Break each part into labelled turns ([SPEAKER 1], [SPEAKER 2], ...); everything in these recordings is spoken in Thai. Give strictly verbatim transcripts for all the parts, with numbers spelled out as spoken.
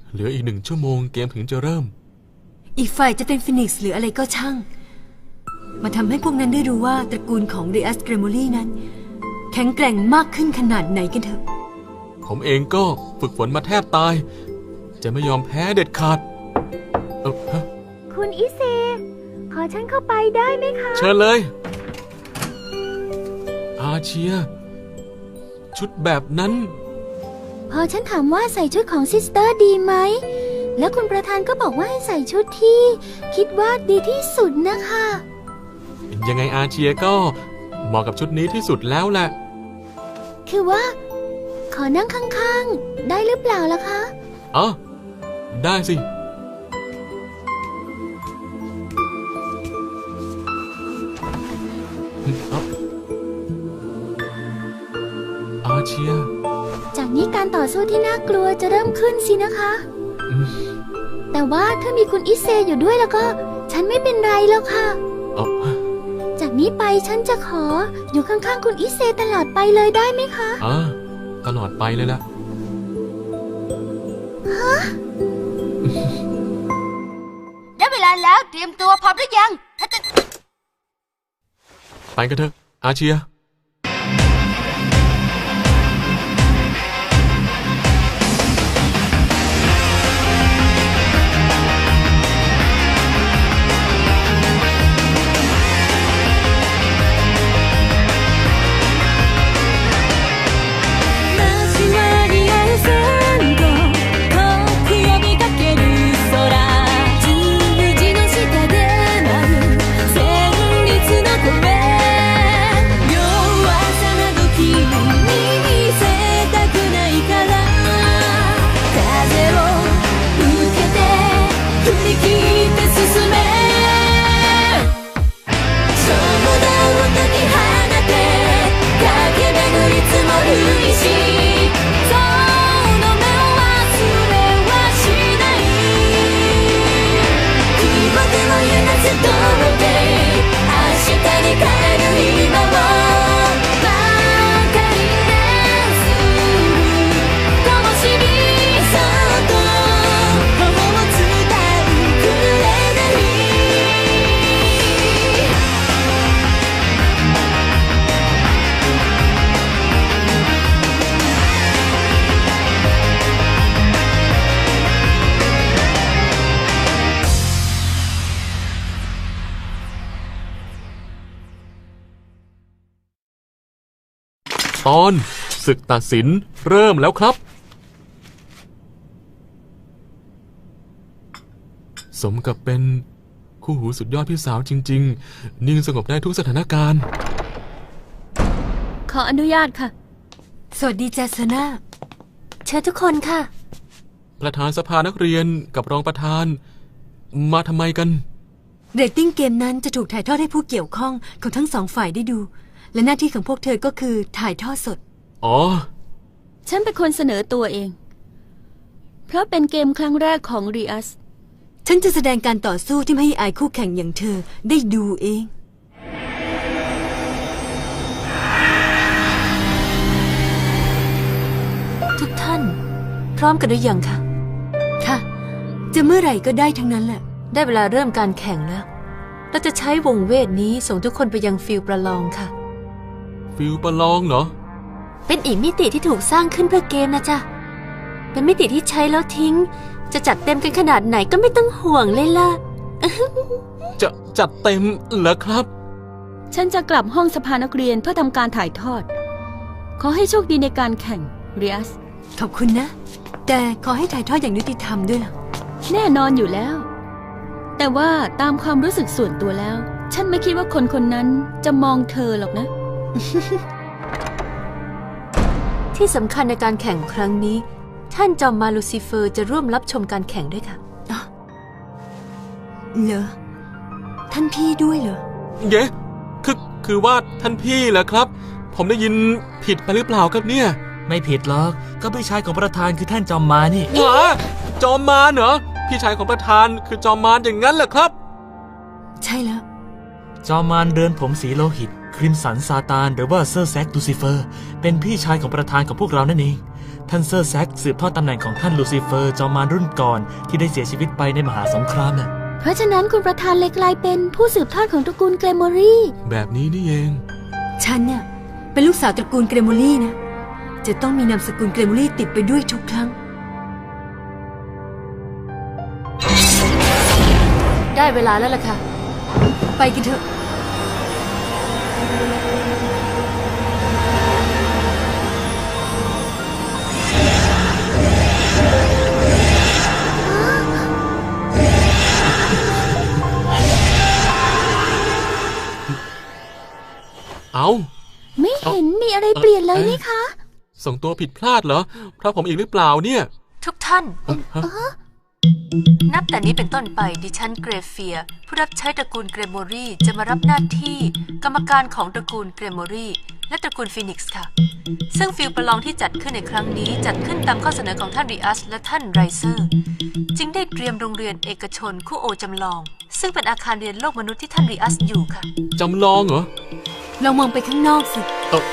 [SPEAKER 1] เหลืออีกหนึ่งชั่วโมงเกมถึงจะเริ่ม
[SPEAKER 2] อีกฝ่ายจะเป็นฟินิกซ์หรืออะไรก็ช่างมาทำให้พวกนั้นได้รู้ว่าตระกูลของเรอัสเกรโมลีนั้นแข็งแกร่งมากขึ้นขนาดไหนกันเถอะ
[SPEAKER 1] ผมเองก็ฝึกฝนมาแทบตายจะไม่ยอมแพ้เด็ดขาดเออฮะ
[SPEAKER 3] คุณอิเซขอฉันเข้าไปได้ไหมคะ
[SPEAKER 1] เชิญเลยอาเชียชุดแบบนั้น
[SPEAKER 3] พอฉันถามว่าใส่ชุดของซิสเตอร์ดีไหมแล้วคุณประธานก็บอกว่าให้ใส่ชุดที่คิดว่าดีที่สุดนะคะ
[SPEAKER 1] ยังไงอาเชียก็เหมาะกับชุดนี้ที่สุดแล้วแหละ
[SPEAKER 3] คือว่าขอนั่งข้างๆได้หรือเปล่าล่ะคะ
[SPEAKER 1] อ๋อได้สิอาเชีย
[SPEAKER 3] จากนี้การต่อสู้ที่น่ากลัวจะเริ่มขึ้นสินะคะแต่ว่าถ้ามีคุณอิเซอยู่ด้วยแล้วก็ฉันไม่เป็นไรแล้วค่ะจากนี้ไปฉันจะขออยู่ข้างๆคุณอิเซตลอดไปเลยได้ไหมคะ
[SPEAKER 1] อ่าตลอดไปเลยล่ะ
[SPEAKER 3] ฮะ
[SPEAKER 4] ได้เวลาแล้วเตรียมตัวพร้อมหรือยังถ้าจะ
[SPEAKER 1] ไปกันเถอะอาเชียตอนศึกตัดสินเริ่มแล้วครับสมกับเป็นคู่หูสุดยอดพี่สาวจริงๆนิ่งสงบได้ทุกสถานการณ์
[SPEAKER 3] ขออนุญาตค่ะ
[SPEAKER 2] สวัสดีเจสนาเชิญทุกคนค่ะ
[SPEAKER 1] ประธานสภานักเรียนกับรองประธานมาทำไมกัน
[SPEAKER 2] เรตติ้งเกมนั้นจะถูกถ่ายทอดให้ผู้เกี่ยวข้องของทั้งสองฝ่ายได้ดูและหน้าที่ของพวกเธอก็คือถ่ายทอดสด
[SPEAKER 1] อ๋อ
[SPEAKER 3] ฉันเป็นคนเสนอตัวเองเพราะเป็นเกมครั้งแรกของรีอัส
[SPEAKER 2] ฉันจะแสดงการต่อสู้ที่ไม่ให้อายคู่แข่งอย่างเธอได้ดูเองทุกท่านพร้อมกันหรือยังคะค่ะจะเมื่อไหร่ก็ได้ทั้งนั้นแหละได้เวลาเริ่มการแข่งแล้วเราจะใช้วงเวทนี้ส่งทุกคนไปยังฟิลประลองค่ะ
[SPEAKER 1] ฟิลประลองเหรอ
[SPEAKER 2] เป็นอีกมิติที่ถูกสร้างขึ้นเพื่อเกมนะจ๊ะเป็นมิติที่ใช้แล้วทิ้งจะจัดเต็มกันขนาดไหนก็ไม่ต้องห่วงเลยล่ะ
[SPEAKER 1] จะจัดเต็มเหรอครับ
[SPEAKER 3] ฉันจะกลับห้องสภานักเรียนเพื่อทำการถ่ายทอดขอให้โชคดีในการแข่งเรียส
[SPEAKER 2] ขอบคุณนะแต่ขอให้ถ่ายทอดอย่างยุติธรรมด้วยล่ะ
[SPEAKER 3] แน่นอนอยู่แล้วแต่ว่าตามความรู้สึกส่วนตัวแล้วฉันไม่คิดว่าคนคนนั้นจะมองเธอหรอกนะ
[SPEAKER 2] ที่สำคัญในการแข่งครั้งนี้ท่านจอมมารลูซิเฟอร์จะร่วมรับชมการแข่งด้วยค่ะเหรอท่านพี่ด้วยเหรอ
[SPEAKER 1] เย้คือคือว่าท่านพี่เหรอครับผมได้ยินผิดไปหรือเปล่าครับเนี่ย
[SPEAKER 5] ไม่ผิดหรอกก็พี่ชายของประธานคือท่านจอมมารนี่
[SPEAKER 1] หรอจอมมารเหรอพี่ชายของประธานคือจอมมารอย่างนั้นเหรอครับ
[SPEAKER 2] ใช่แล้ว
[SPEAKER 5] จอมมารเดินผมสีโลหิตคริมสันซาตานหรือว่าเซอร์แซกดูซิเฟอร์เป็นพี่ชายของประธานของพวกเรานั่นเองท่านเซอร์แซกสืบทอดตำแหน่งของท่านลูซิเฟอร์จอมมารรุ่นก่อนที่ได้เสียชีวิตไปในมหาสงครามน่ะ
[SPEAKER 3] เพราะฉะนั้นคุณประธานเลยกลายเป็นผู้สืบทอดของตระกูลเกรโมรี่
[SPEAKER 1] แบบนี้นี่เอง
[SPEAKER 2] ฉันเนี่ยเป็นลูกสาวตระกูลเกรโมลี่นะ จะต้องมีนามสกุลเกรโมลี่ติดไปด้วยทุกครั้ง ได้เวลาแล้วล่ะค่ะ ไปกันเถอะ
[SPEAKER 1] เอา
[SPEAKER 3] ไม่เห็นมีอะไรเปลี่ยนเลยนี่คะ
[SPEAKER 1] ส่งตัวผิดพลาดเหรอเพราะผมอีกหรือเปล่าเนี่ย
[SPEAKER 2] ทุกท่าน
[SPEAKER 1] เอ่อฮะ
[SPEAKER 2] นับแต่นี้เป็นต้นไปดิฉันเกรเฟียร์ผู้รับใช้ตระกูลเกรโมรีจะมารับหน้าที่กรรมการของตระกูลเกรโมรีและตระกูลฟีนิกซ์ค่ะ ซึ่งฟิลประลองที่จัดขึ้นในครั้งนี้จัดขึ้นตามข้อเสนอของท่านริอัสและท่านไรเซอร์จึงได้เตรียมโรงเรียนเอกชนคู่โอจำลอง ซึ่งเป็นอาคารเรียนโลกมนุษย์ที่ท่านริอัสอยู่ค่ะ
[SPEAKER 1] จำลองเหรอ
[SPEAKER 2] ลองมองไปข้างนอกสิ
[SPEAKER 1] เออ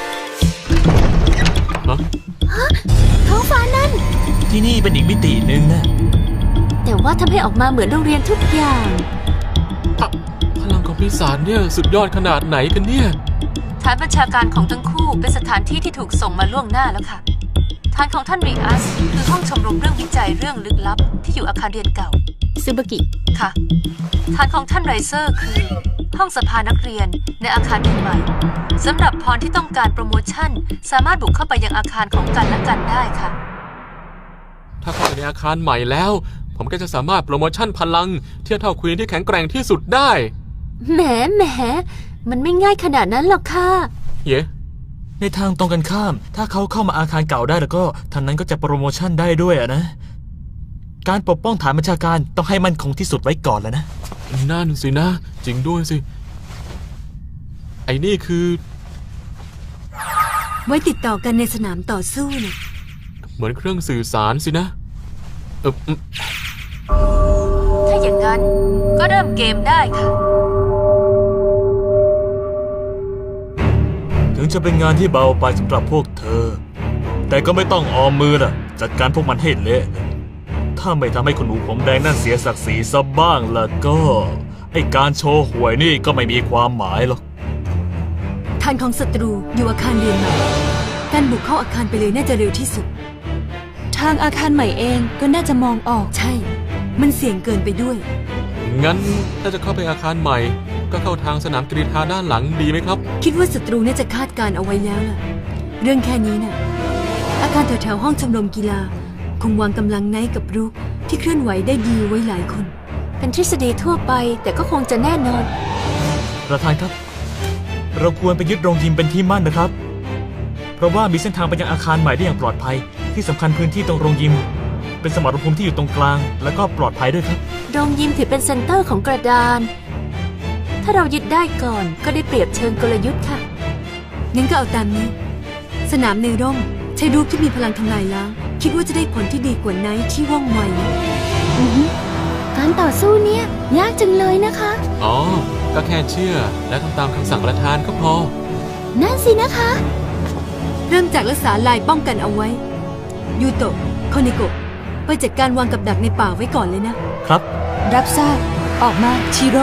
[SPEAKER 1] ฮะ
[SPEAKER 3] ท้องฟ้านั่น
[SPEAKER 5] ที่นี่เป็นอีกมิติหนึ่งนะ
[SPEAKER 2] แต่ว่าทำให้ออกมาเหมือนโรงเรียนทุกอย่าง
[SPEAKER 1] อะพลังของปีศาจเนี่ยสุดยอดขนาดไหนกันเนี่ย
[SPEAKER 2] ฐานบัญชาการของทั้งคู่เป็นสถานที่ที่ถูกส่งมาล่วงหน้าแล้วค่ะฐานของท่านริอัสคือห้องชมรมเรื่องวิจัยเรื่องลึกลับที่อยู่อาคารเรียนเก่า
[SPEAKER 3] ซูบากิ
[SPEAKER 2] ค่ะฐานของท่านไรเซอร์คือห้องสภานักเรียนในอาคารเรียนใหม่สำหรับพรที่ต้องการโปรโมชั่นสามารถบุกเข้าไปยังอาคารของกันและกันได้ค่ะ
[SPEAKER 1] ถ้าเข้าไปในอาคารใหม่แล้ว ผมก็จะสามารถโปรโมชั่นพลังเทียบเท่าควีนที่แข็งแกร่งที่สุดได้
[SPEAKER 2] แหมแหมมันไม่ง่ายขนาดนั้นหรอกค่ะ
[SPEAKER 1] เย้
[SPEAKER 5] ในทางตรงกันข้าม ถ้าเขาเข้ามาอาคารเก่าได้แล้วก็ท่านนั้นก็จะโปรโมชั่นได้ด้วยอะนะการปกป้องฐานบัญชาการต้องให้มั่นคงที่สุดไว้ก่อนแล้วนะ
[SPEAKER 1] นั่นสินะ จริงด้วยสิ ไอ้นี่คือ
[SPEAKER 2] ไว้ติดต่อกันในสนามต่อสู้นะ
[SPEAKER 1] เหมือนเครื่องสื่อสารสินะเอออืม
[SPEAKER 2] ถ้าอย่างนั้นก็เริ่มเกมได้ค่ะ
[SPEAKER 5] ถึงจะเป็นงานที่เบาไปสำหรับพวกเธอ แต่ก็ไม่ต้องออมมือล่ะจัดการพวกมันให้เละถ้าไม่ทำให้คุณหนูผมแดงนั่นเสียศักดิ์ศรีซะบ้างล่ะก็ไอ้การโชว์หวยนี่ก็ไม่มีความหมายหรอก
[SPEAKER 2] ฐานของศัตรูอยู่อาคารเรียนใหม่การบุกเข้าอาคารไปเลยน่าจะเร็วที่สุด ทางอาคารใหม่เองก็น่าจะมองออกใช่ มันเสี่ยงเกินไปด้วย
[SPEAKER 1] งั้นถ้าจะเข้าไปอาคารใหม่ ก็เข้าทางสนามกรีฑาด้านหลังดีไหมครับ
[SPEAKER 2] คิดว่าศัตรูน่าจะคาดการเอาไว้แล้วล่ะ เรื่องแค่นี้น่ะ อาคารแถวๆห้องชมรมกีฬาคงวางกำลังไนท์กับรุกที่เคลื่อนไหวได้ดีไว้หลายคน เป็นทฤษฎีทั่วไปแต่ก็คงจะแน่นอน
[SPEAKER 5] ประธานครับ เราควรไปยึดโรงยิมเป็นที่มั่นนะครับ เพราะว่ามีเส้นทางไปยังอาคารใหม่ได้อย่างปลอดภัยที่สำคัญพื้นที่ตรงโรงยิมเป็นสมรภูมิที่อยู่ตรงกลางแล้วก็ปลอดภัยด้วยครับ
[SPEAKER 2] โรงยิมถือเป็นเซ็นเตอร์ของกระดาน ถ้าเรายึดได้ก่อนก็ได้เปรียบเชิงกลยุทธ์ค่ะงั้นก็เอาตามนี้ สนามในร่มใช้รูปที่มีพลังทำลายล้างคิดว่าจะได้ผลที่ดีกว่าไนท์ที่ว่องไว
[SPEAKER 3] อือฮึการต่อสู้เนี่ยยากจังเลยนะคะ
[SPEAKER 1] อ๋อ ก็แค่เชื่อและทำตามคำสั่งประธานก็พอ
[SPEAKER 3] นั่นสินะคะ
[SPEAKER 2] เริ่มจากรักษาลายป้องกันเอาไว้ ยูโตะโคเนโกะไปจัดการวางกับดักในป่าไว้ก่อนเลยนะ
[SPEAKER 5] ครับ
[SPEAKER 2] รับทราบ ออกมาชิโร่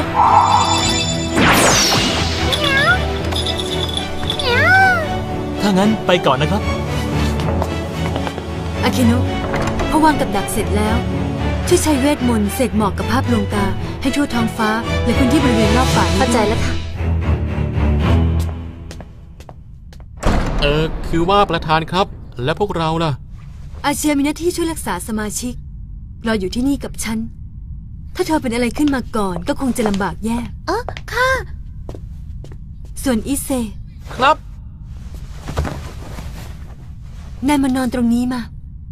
[SPEAKER 5] ถ้างั้นไปก่อนนะครับ
[SPEAKER 2] อาเคโนะพอวางกับดักเสร็จแล้วช่วยใช้เวทมนต์เสกหมอกกับภาพลวงตาให้ทั่วท้องฟ้าและพื้นที่บริเวณรอบป่าเข้าใจแล้วค่ะ
[SPEAKER 1] เออ คือว่าประธานครับ และพวกเราล่ะ
[SPEAKER 2] อาเชียมีหน้าที่ช่วยรักษาสมาชิกรออยู่ที่นี่กับฉัน ถ้าเธอเป็นอะไรขึ้นมาก่อนก็คงจะลำบากแย่
[SPEAKER 3] เออค่ะ
[SPEAKER 2] ส่วนอิเซ
[SPEAKER 1] ครับ
[SPEAKER 2] นายมานอนตรงนี้มา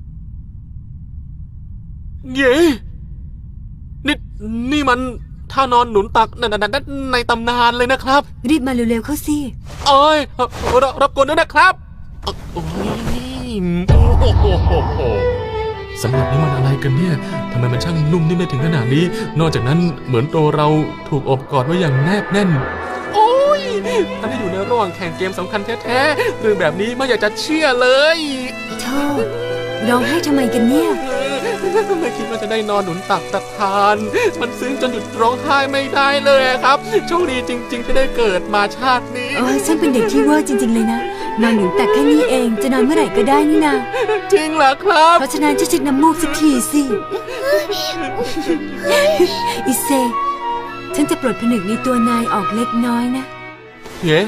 [SPEAKER 1] เย้นี่นี่มันท่านอนหนุนตักในในในตำนานเลยนะครับ
[SPEAKER 2] รีบมาเร็วๆเข้าสิ
[SPEAKER 1] เอ้ยเอ่อรรับกวนด้วยนะครับเอ่อโอ้ยโอ้โหโหโหสำหรับนี่มันอะไรกันเนี่ยทำไมมันช่างนุ่มนิ่มได้ถึงขนาดนี้ นอกจากนั้นเหมือนตัวเราถูกอบกอดไว้อย่างแนบแน่น โอ้ยถ้าได้อยู่ในระหว่างแข่งเกมสำคัญแท้ๆเรื่องแบบนี้ไม่อยากจะเชื่อเลย
[SPEAKER 2] โทษร้องไห้ทำไมกันเนี่ย
[SPEAKER 1] ไม่คิดว่าจะได้นอนหนุนตักตะทาน มันซึ้งจนหยุดร้องไห้ไม่ได้เลยอะครับ โชคดีจริง ๆ ที่ได้เกิดมาชาตินี้
[SPEAKER 2] โอ้ยฉันเป็นเด็กที่เวอร์จริง ๆ เลยนะ นอนหนุนตักแค่นี้เอง จะนอนเมื่อไหร่ก็ได้นี่นา
[SPEAKER 1] จริงเหรอครับ
[SPEAKER 2] เพราะฉะนั้นช่วยเช็ดน้ำมูกสักทีสิ อิเซ ฉันจะปลดผนึกในตัวนายออกเล็กน้อยนะ
[SPEAKER 1] เฮ้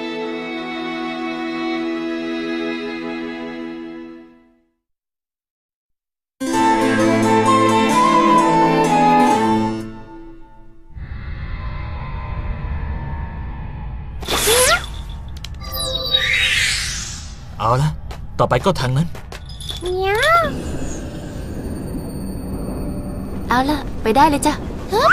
[SPEAKER 5] เอาละต่อไปก็ทางนั้น
[SPEAKER 2] เอาล่ะ ไปได้เลยจ้ะ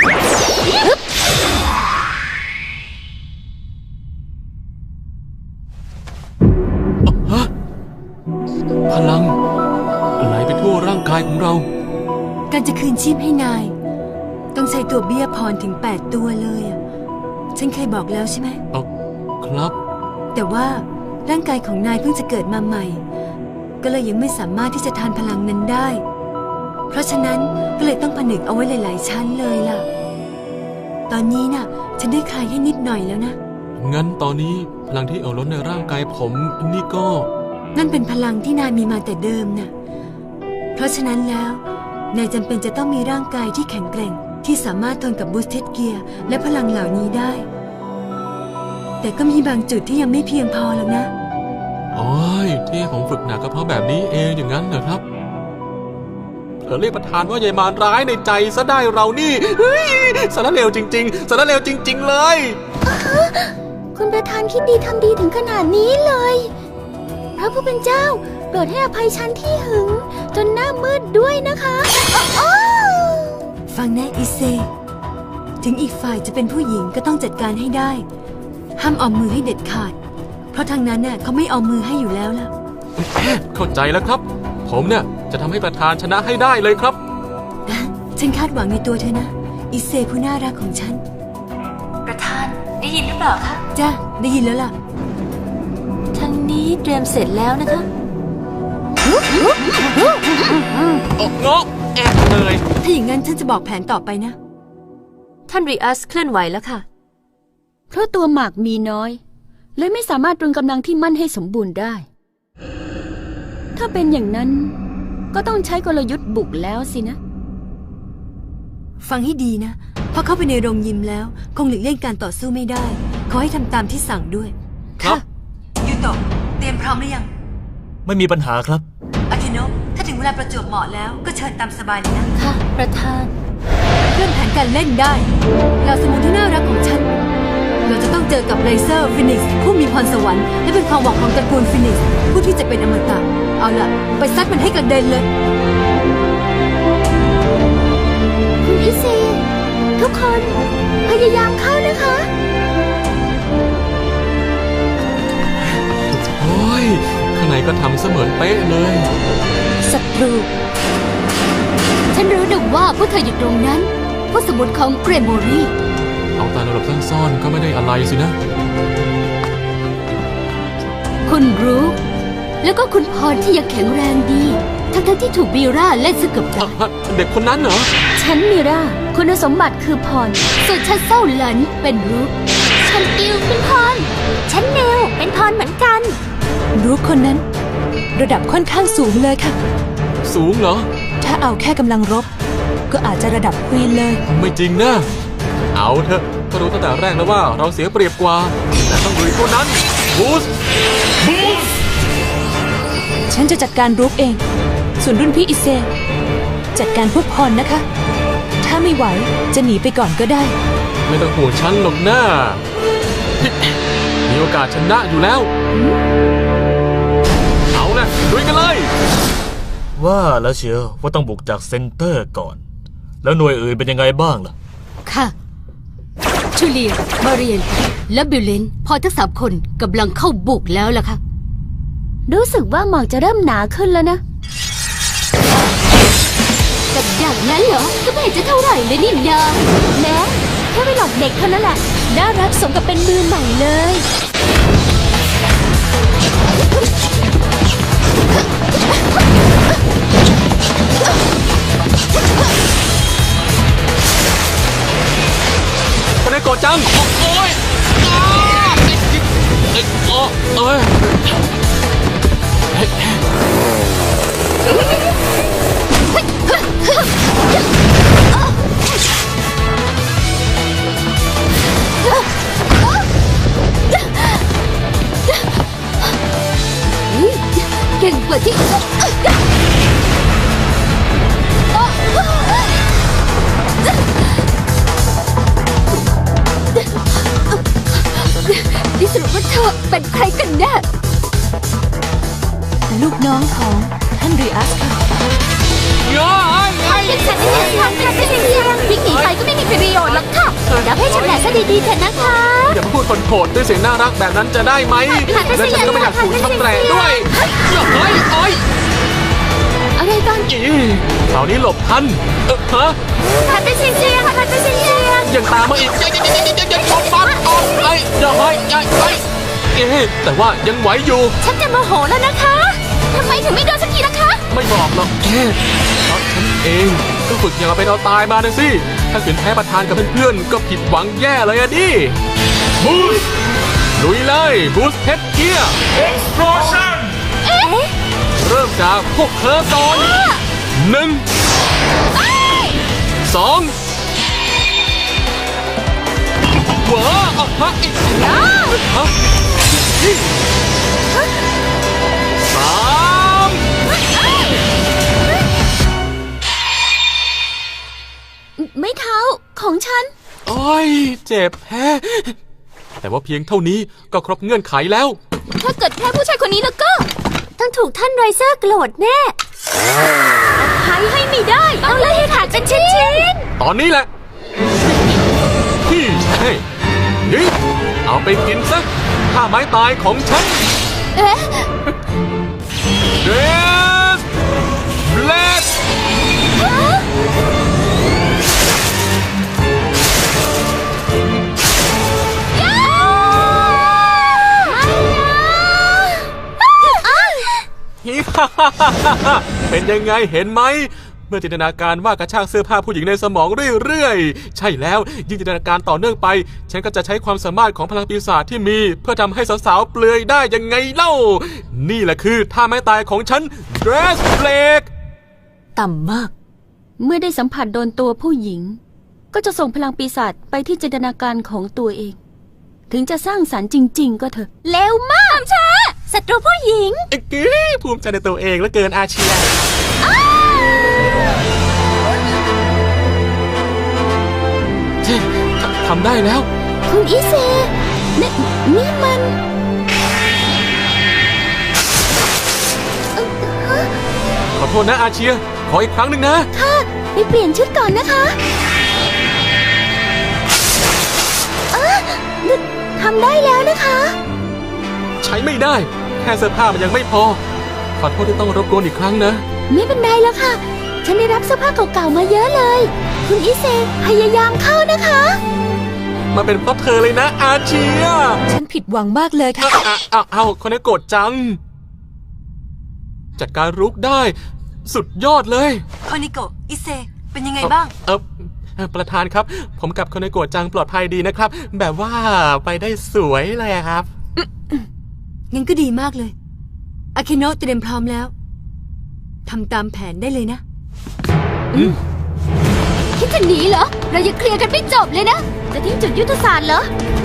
[SPEAKER 1] พลังไหลไปทั่วร่างกายของเรา
[SPEAKER 2] การจะคืนชีพให้นาย ต้องใช้ตัวเบี้ยพรถึงแปดตัวเลยอะฉันเคยบอกแล้วใช่ไหม
[SPEAKER 1] เอาครับ
[SPEAKER 2] แต่ว่าร่างกายของนายเพิ่งจะเกิดมาใหม่ ก็เลยยังไม่สามารถที่จะทานพลังนั้นได้ เพราะฉะนั้นก็เลยต้องผนึกเอาไว้หลาย ๆ ชั้นเลยล่ะ ตอนนี้น่ะ ฉันได้คลายให้นิดหน่อยแล้วนะ
[SPEAKER 1] งั้นตอนนี้พลังที่เอาล้นในร่างกายผมนี่ก็
[SPEAKER 2] นั่นเป็นพลังที่นายมีมาแต่เดิมน่ะ เพราะฉะนั้นแล้วนายจำเป็นจะต้องมีร่างกายที่แข็งแกร่งที่สามารถทนกับบูสเทดเกียร์และพลังเหล่านี้ได้ แต่ก็มีบางจุดที่ยังไม่เพียงพอหรอกนะ
[SPEAKER 1] โอ้ยที่ผมฝึกหนักก็เพราะแบบนี้เองอย่างนั้นเหรอครับเธอเรียกประธานว่ายายมารร้ายในใจซะได้เรานี่เฮ้ยสารเลวจริง ๆสารเลวจริง ๆ เลย
[SPEAKER 3] คุณประธานคิดดีทำดีถึงขนาดนี้เลยพระผู้เป็นเจ้าโปรดให้อภัยฉันที่หึง จนหน้ามืดด้วยนะคะอ้าว
[SPEAKER 2] ฟังนะอิเซ ถึงอีกฝ่ายจะเป็นผู้หญิงก็ต้องจัดการให้ได้ ห้ามเอามือให้เด็ดขาด เพราะทางนั้นน่ะเขาไม่เอามือให้อยู่แล้วล่ะ
[SPEAKER 1] เข้าใจแล้วครับ ผมเนี่ยจะทำให้ประธานชนะให้ได้เลยครับ
[SPEAKER 2] ฉันคาดหวังในตัวเธอนะ อิเซผู้น่ารักของฉัน ประธานได้ยินหรือเปล่าคะจ้ะได้ยินแล้วล่ะทางนี้เตรียมเสร็จแล้วนะคะ
[SPEAKER 1] โอ้งกแอบเลย
[SPEAKER 2] ถ้าอย่างนั้นฉันจะบอกแผนต่อไปนะ ท่านริอัสเคลื่อนไหวแล้วค่ะ
[SPEAKER 6] เพราะตัวหมากมีน้อย เลยไม่สามารถตรึงกำลังที่มั่นให้สมบูรณ์ได้ ถ้าเป็นอย่างนั้นก็ต้องใช้กลยุทธ์บุกแล้วสินะ
[SPEAKER 2] ฟังให้ดีนะพอเข้าไปในโรงยิมแล้ว คงหลีกเลี่ยงการต่อสู้ไม่ได้ ขอให้ทำตามที่สั่งด้วย
[SPEAKER 1] ครับ
[SPEAKER 2] ยูโตะเตรียมพร้อมหรือยัง
[SPEAKER 5] ไม่มีปัญหาครับ
[SPEAKER 2] อาคิโนะถ้าถึงเวลาประจวบเหมาะแล้วก็เชิญตามสบายเลยนะ ค่ะ ประธานเริ่มแผนการเล่นได้เหล่าสมุนที่น่ารักของฉัน เราจะต้องเจอกับไรเซอร์ฟินิกซ์ผู้มีพรสวรรค์และเป็นความหวังของตระกูลฟินิกซ์ผู้ที่จะเป็นอมตะ เอาล่ะ ไปซัดมันให้กระเด็นเลย
[SPEAKER 3] คุณอิเซ ทุกคนพยายามเข้านะคะ
[SPEAKER 1] โอ้ยข้างในก็ทำเสมือนเป๊ะเลย
[SPEAKER 4] ศัตรู ฉันรู้ดึกว่าพวกเธออยู่ตรงนั้นพวกสมุนของเกรโมรี
[SPEAKER 1] เอาตาหลบซ่อนๆก็ไม่ได้อะไรสินะ
[SPEAKER 4] คุณรู้ แล้วก็คุณพรที่ยังแข็งแรงดี ทั้งทั้งๆที่ถูกบีราเล่นสกับดัก
[SPEAKER 1] อ่ะเด็กคนนั้นเหรอ
[SPEAKER 6] ฉันมิราคุณสมบัติคือพร
[SPEAKER 4] ส่วนฉันเศร้าหลันเป็นรูปฉันอิวเป็นพร ฉันเนวเป็นพรเหมือนกัน
[SPEAKER 2] รู้คนนั้น ระดับค่อนข้างสูงเลยค่ะ
[SPEAKER 1] สูงเหรอ
[SPEAKER 2] ถ้าเอาแค่กำลังรบ ก็อาจจะระดับควีนเลย
[SPEAKER 1] ไม่จริงนะ เอาเถอะก็รู้ตั้งแต่แรกแล้วว่าเราเสียเปรียบกว่า แต่ต้องลุยคนนั้นบูสบูส
[SPEAKER 2] ฉันจะจัดการรุกเอง ส่วนรุ่นพี่อิเซ จัดการพวกพรนะคะ ถ้าไม่ไหวจะหนีไปก่อนก็ได้
[SPEAKER 1] ไม่ต้องห่วงฉันหรอกนะ มีโอกาสชนะอยู่แล้ว เอานะลุยกันเลย
[SPEAKER 5] ว่าแล้วเชียวว่าต้องบุกจากเซ็นเตอร์ก่อน แล้วหน่วยอื่นเป็นยังไงบ้างล่ะ
[SPEAKER 4] ค่ะชูเลีย มาเรียน และบิลเลนพอทั้งสามคนกำลังเข้าบุกแล้วล่ะค่ะ
[SPEAKER 6] รู้สึกว่าหมอกจะเริ่มหนาขึ้นแล้วนะ
[SPEAKER 4] กับอย่างนั้นเหรอ ก็ไม่เห็นจะเท่าไหร่เลยนี่นา
[SPEAKER 6] แม้แค่ไปหลอกเด็กเท่านั้นแหละ น่ารักสมกับเป็นมือใหม่เลย
[SPEAKER 1] จังโอ้ยอ้าเอ้ยเอ้ยโอ้เอ้ย
[SPEAKER 4] เก่งกว่าที่ดิสรุปว่าเธอเป็นใครกันแน่
[SPEAKER 2] ลูกน้องของท่านรีอัสค่ะ
[SPEAKER 1] ย้อยไอ้
[SPEAKER 3] เป็นฉันที่ทำค่ะเป็นเสียงวิ่งหนีไปก็ไม่มีประโยชน์หรอกค่ะแล้วให้ฉันแหละซะดีๆเถอะนะคะ
[SPEAKER 1] อย่ามาพูดคนโผดด้วยเสียงน่ารักแบบนั้นจะได้ไหมและฉันก็ไม่อยากถูกช้ำแตรด้วยเฮ้ยโอ้ย
[SPEAKER 3] อะไรกัน
[SPEAKER 1] อีคราวนี้หลบทันเออฮะ
[SPEAKER 3] พันเป็นเสียงเสียงค่ะพันเป็นเสียงเสียง
[SPEAKER 1] ยังตามมาอีกยังยังยังยังยังยังชนปั๊บออกไอ้อย่าให้อย่าให้เอ๊ะแต่ว่ายังไหวอยู่
[SPEAKER 3] ฉันจะโมโหแล้วนะคะทำไมถึงไม่โดนสักทีล่ะคะ
[SPEAKER 1] ไม่บอกหรอกเอ๊ะเพราะฉันเองก็ฝึกอย่างเอาเป็นเอาตายมานะสิถ้าขืนแพ้ประธานกับเพื่อนๆก็ผิดหวังแย่เลยอะดิบูสลุยเลยบูสเฮดเกียร์
[SPEAKER 5] explosion
[SPEAKER 3] เอ๊ะ
[SPEAKER 1] เริ่มจากพวกเธอก่อนหนึ่งสองหัวออกมาอีกฮะสาม
[SPEAKER 6] ไม่เท้าของฉัน
[SPEAKER 1] โอ้ยเจ็บแพ้แต่ว่าเพียงเท่านี้ก็ครบเงื่อนไขแล้ว
[SPEAKER 3] ถ้าเกิดแพ้ผู้ชายคนนี้แล้วก็ต้องถูกท่านไรเซอร์โกรธแน่หายให้ไม่ได้ต้องไล่ให้ขาดเป็นชิ้น
[SPEAKER 1] ตอนนี้แหละพี่เฮ้ยนี่เอาไปกินซะท่าไม้ตายของฉัน
[SPEAKER 3] ๆเอ๊ะ
[SPEAKER 1] เดสเบลดเป็นยังไงเห็นไหมเมื่อจินตนาการว่ากระชากเสื้อผ้าผู้หญิงในสมองเรื่อยๆใช่แล้วยิ่งจินตนาการต่อเนื่องไปฉันก็จะใช้ความสามารถของพลังปีศาจที่มีเพื่อทำให้สาวๆเปลือยได้ยังไงเล่านี่แหละคือท่าไม้ตายของฉัน Dress Blake
[SPEAKER 2] ต่ำมาก
[SPEAKER 6] เมื่อได้สัมผัสโดนตัวผู้หญิง ก็จะส่งพลังปีศาจไปที่จินตนาการของตัวเอง ถึงจะสร้างสรรค์จริง ๆ ก็เถอะ
[SPEAKER 3] เร็วมากช้าศัตรูผู้หญิง
[SPEAKER 1] เอ๊ะภูมิใจในตัวเองเหลือเกินอาเชียเช่ทำได้แล้ว
[SPEAKER 3] คุณอิเซนี่นี่มัน
[SPEAKER 1] ขอโทษนะอาเชียขออีกครั้งหนึ่งนะ
[SPEAKER 3] ค่ะไปเปลี่ยนชุดก่อนนะคะเออทำได้แล้วนะคะ
[SPEAKER 1] ใช้ไม่ได้แค่เสื้อผ้ามันยังไม่พอขอโทษที่ต้องรบกวนอีกครั้งนะ
[SPEAKER 3] ไม่เป็นไรแล้วค่ะ ฉันได้รับเสื้อผ้าเก่าๆมาเยอะเลย คุณอิเซพยายามเข้านะคะ
[SPEAKER 1] มาเป็นเพราะเธอเลยนะอาเชีย
[SPEAKER 2] ฉันผิดหวังมากเลยค่ะ
[SPEAKER 1] อ้าวอ้าวอ้าวคนนี้โกรธจัง จัดการรุกได้ สุดยอดเลย
[SPEAKER 2] โคนิโกะอิเซ เป็นยังไงบ้าง
[SPEAKER 1] เออเอ่อประธานครับ ผมกับคนในโกรธจังปลอดภัยดีนะครับ แบบว่าไปได้สวยเลยอะครับ
[SPEAKER 2] งั้นก็ดีมากเลย อาเคโนะเตรียมพร้อมแล้ว ทำตามแผนได้เลยนะ
[SPEAKER 3] คิดจะหนีเหรอ เรายังเคลียร์กันไม่จบเลยนะ จะทิ้งจุดยุทธศาสตร์เหรอ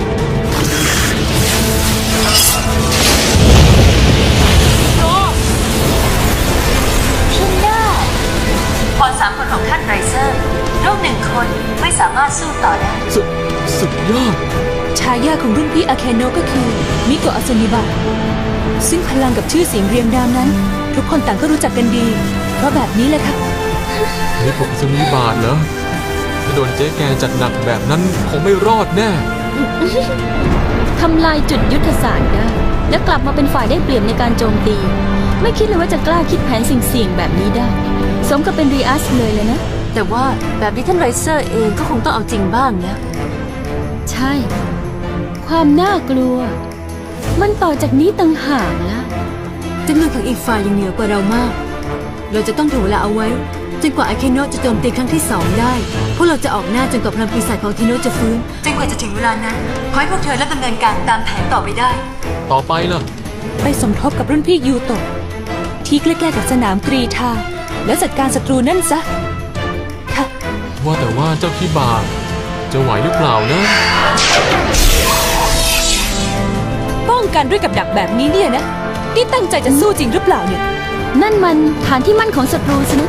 [SPEAKER 2] ฉันได้พรสามคนของท่านไรเซอร์โรคหนึ่งคนไม่สามารถสู้ต่อได้
[SPEAKER 1] สุดสุดยอด
[SPEAKER 2] ชายาของรุ่นพี่อาเคโนะก็คือ มิโกะอาซามิบะซึ่งพลังกับชื่อเสียงเรียงนามนั้น ทุกคนต่างก็รู้จักกันดี เพราะแบบนี้แหละค่ะ
[SPEAKER 1] นี่ผมจะมีบาทเหรอถ้าโดนเจ๊แกจัดหนักแบบนั้นคงไม่รอดแน่
[SPEAKER 6] ทำลายจุดยุทธศาสตร์ได้ และกลับมาเป็นฝ่ายได้เปรียบในการโจมตี ไม่คิดเลยว่าจะกล้าคิดแผนสิ่งเสี่ยงๆแบบนี้ได้ สมกับเป็นรีอัสเลยเลยนะ
[SPEAKER 2] แต่ว่าแบบนี้ท่านไรเซอร์เองก็คงต้องเอาจริงบ้างแล้ว
[SPEAKER 6] ใช่ ความน่ากลัว มันต่อจากนี้ต่างหากละ
[SPEAKER 2] จำนวนของอีกฝ่ายยังเหนือกว่าเรามากเราจะต้องถ่วงเวลาเอาไว้จนกว่าอาเคโนะจะโจมตีครั้งที่สองได้พวกเราจะออกหน้าจนกว่าพลังปีศาจของอาเคโนะจะฟื้นจนกว่าจะถึงเวลานั้นขอให้พวกเธอเริ่มดำเนินการตามแผนต่อไปได้
[SPEAKER 1] ต่อไปล่ะ
[SPEAKER 7] ไปสมทบกับรุ่นพี่ยูโตะที่ใกล้ๆกับสนามกรีฑาแล้วจัดการศัตรูนั่นซะ
[SPEAKER 2] ค่ะ
[SPEAKER 1] ว่าแต่ว่าเจ้าคิบาจะไหวหรือเปล่านะ
[SPEAKER 7] ป้องกันด้วยกับดักแบบนี้เนี่ยนะนี่ตั้งใจจะสู้จริงหรือเปล่าเนี่ย
[SPEAKER 3] นั่นมันฐานที่มั่นของศัตรูสินะ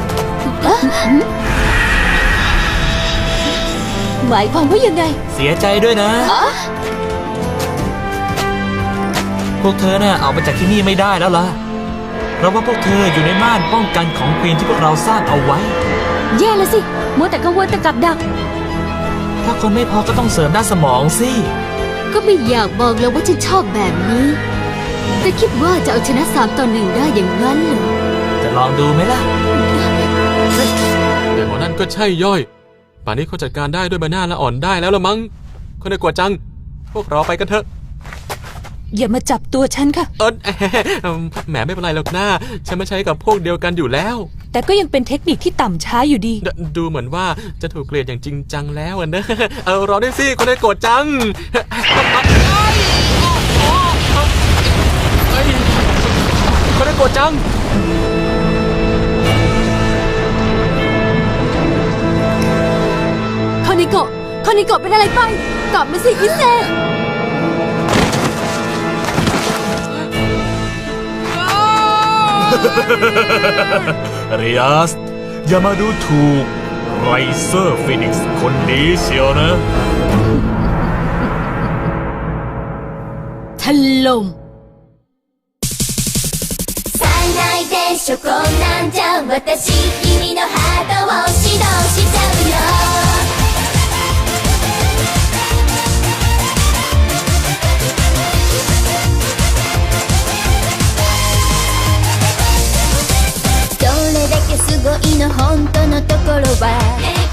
[SPEAKER 7] หมายความว่ายังไง
[SPEAKER 5] เสียใจด้วยนะ พวกเธอน่ะออกมาจากที่นี่ไม่ได้แล้วล่ะ เพราะว่าพวกเธออยู่ในม่านป้องกันของควีนที่พวกเราสร้างเอาไว้
[SPEAKER 3] แย่แล้วสิมัวแต่กังวลแต่กับดัก
[SPEAKER 5] ถ้าคนไม่พอก็ต้องเสริมด้านสมองสิ
[SPEAKER 4] ก็ไม่อยากบอกแล้วว่าฉันชอบแบบนี้ แต่คิดว่าจะเอาชนะสามต่อหนึ่งได้อย่างนั้นเหรอ
[SPEAKER 5] จะลองดูไหมล่ะ
[SPEAKER 1] แต่หมอนั่นก็ใช่ย่อย ป่านนี้เขาจัดการได้ด้วยใบหน้าละอ่อนได้แล้วละมั้งคนได้กว่าจัง พวกเราไปกันเถอะ
[SPEAKER 7] อย่ามาจับตัวฉันค่ะ
[SPEAKER 1] เออแหมไม่เป็นไรหรอกหน้าฉันไม่ใช้กับพวกเดียวกันอยู่แล้ว
[SPEAKER 7] แต่ก็ยังเป็นเทคนิคที่ต่ำช้าอยู่ดี
[SPEAKER 1] ดดูเหมือนว่าจะถูกเกลียดอย่างจริงจังแล้วอะนะเออรอด้วยสิคนได้โกรธจังคนได้โกรธจัง
[SPEAKER 2] คอนิโกะคอนิโกะเป็นอะไรไปกลับมาสิอิเซ
[SPEAKER 5] เรียส อย่ามาดูถูกไรเซอร์ฟีนิกซ์คนนี้เชียวนะ
[SPEAKER 4] ถล่ม
[SPEAKER 3] 最大でしょこんなんじゃ私君のハートを指導しちゃうよどれだけすごいの本当のところは